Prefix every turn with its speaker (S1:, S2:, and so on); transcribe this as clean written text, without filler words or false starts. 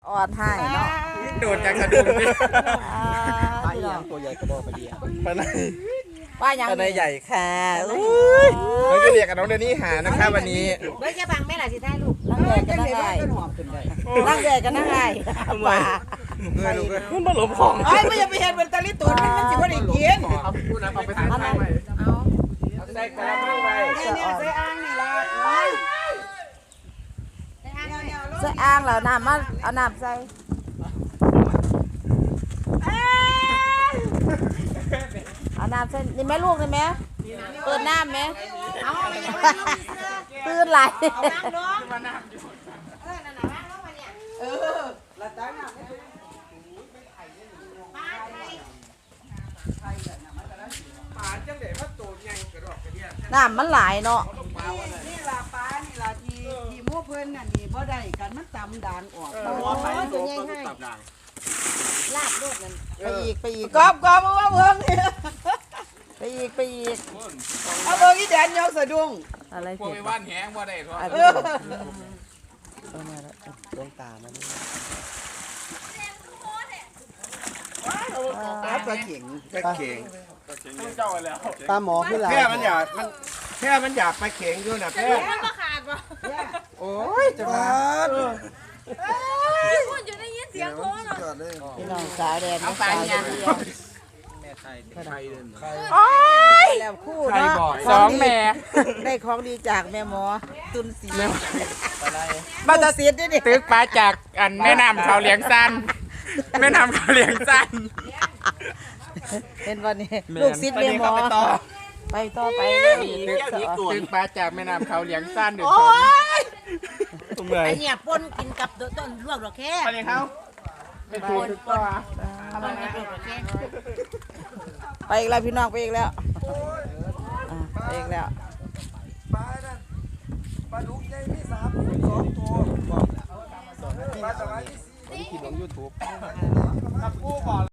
S1: ออดให้เนาะ
S2: โดดจากกระดุมดิ
S3: ปลาอีหยังตัวใหญ่กระโดดไปเดียว
S2: ปลาใน
S1: ว่ายัง
S2: ปลาในใหญ่ค่ะเราจะเรียกกับน้องเดนี่หานะคะวันนี้
S4: เบิร์ดจะบังแม่ล่ะสิท้ายลูก
S1: นั่งแดดกันนั่งไงนั่งแดดกันนั่งไงป่า
S2: มันมาหลบของ
S4: เอ้ยไม่อย่าไปเห็นเป็นตะลิตูนมันสิบ่ได้กิน
S2: เอาไปทานไป
S4: เอา
S2: ใส่กระมังไป
S4: เนี่ยใส่อ่างนี่ล่ะใส่อ่างเนี่ย
S1: ใส่อ่างแล้วน้ำมาเอาน้ำใส่เอาน้ำใส่นี่แม่ลูกนี่แม่เปิดน้ำไหม
S4: เอา
S1: ตื่นไหล
S4: เอาน้ำลงนั่นน่ะน้ำลงมาเนี่ยละจ้าน้ำปลาไทย
S2: ปลาจังเด็ดว่าตัวใหญ่กระดอกกระเดีย
S1: น้ำมันหลายเนาะ
S5: นี่ล่ะปลานี่ล่ะที่หมู่เพิ่นน่ะนี่บ่ได้กันมันตำด่างออก
S4: โอ้ยตัวใหญ่ให้ลาบลูกนั่น
S1: ไปอีกไปอีก
S5: กอบว่าเบิ่งนี่
S1: ไปอีกไปอีก
S5: เอาเบิ่งอีแดนยกสะดุ้ง
S1: อะไร
S2: พวก
S1: เผ็ด
S2: ไปว่านแหงว่าได้ทอด
S3: ดวงตามัน
S5: ปลาเข็ง
S2: ไปเข่งเจ้าแล้ว
S3: ปลาหมอขึ้นหลาย
S2: แค่มันอยากไปเข่งอยู่นะแค่
S4: มันบ่ขาดบ่
S2: โอ้ยจะมา
S4: คุณจะได้ยินเสียงโค้งเนาะ
S1: พี่น้องสาวแดน
S4: เอาปลาเนี่ย
S1: โอ้ยแล้วคู่
S2: ใคร
S1: เนาะ
S2: บอกสองแม่
S1: ได้ของดีจากแม่หมอตุนสี
S2: มันจะ
S1: เสียดด้วยนี่
S2: ตึกปลาจากอันแม่น้ำเขาเลี้ยงสั้นแม่น้ำเขาเลี้ยงสั้น
S1: เห็นวันนี้ลูกศิษย์แม่หมอไปต่อไปเลย
S2: ตึกปลาจากแม่น้ำเขาเลี้ยงสั้นเดี๋ยว
S1: โอ้
S2: สอง
S1: ย
S4: ไอเนี่ยปนกินกับต้นลวกดอกแค่
S2: อะไรเขาไม่ถูกตัว
S4: ปนกับลวกดอกแค่
S1: ไปอีกแล้วพี่น้องไปอีกแล้วไปอีกแล้ว
S3: ปลาดุกใหญ่มี2 ตัวบอกปลาสวายมี4กินลง YouTube